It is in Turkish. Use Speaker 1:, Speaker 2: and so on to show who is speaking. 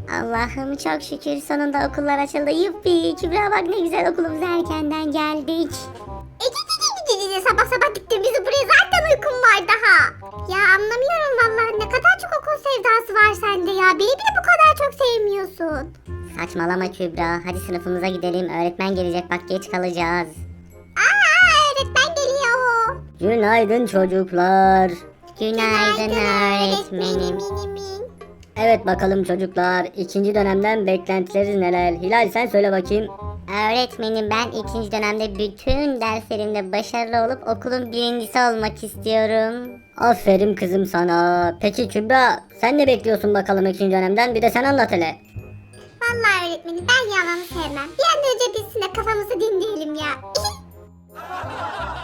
Speaker 1: Allah'ım çok şükür sonunda okullar açıldı. Yuppi Kübra bak ne güzel okulumuza erkenden geldik.
Speaker 2: Sabah sabah gittin bizi buraya, zaten uykum var daha. Ya anlamıyorum vallahi, ne kadar çok okul sevdası var sende ya. Beni bile bu kadar çok sevmiyorsun.
Speaker 1: Saçmalama Kübra. Hadi sınıfımıza gidelim. Öğretmen gelecek bak geç kalacağız.
Speaker 2: Öğretmen geliyor.
Speaker 3: Günaydın çocuklar.
Speaker 1: Günaydın öğretmenim.
Speaker 3: Evet bakalım çocuklar. İkinci dönemden beklentileriniz neler? Hilal sen söyle bakayım.
Speaker 1: Öğretmenim ben ikinci dönemde bütün derslerimde başarılı olup okulun birincisi olmak istiyorum.
Speaker 3: Aferin kızım sana. Peki Kübra sen ne bekliyorsun bakalım ikinci dönemden? Bir de sen anlat hele.
Speaker 2: Vallahi öğretmenim ben yalanı sevmem. Bir an önce bitsin de kafamızı dinleyelim ya.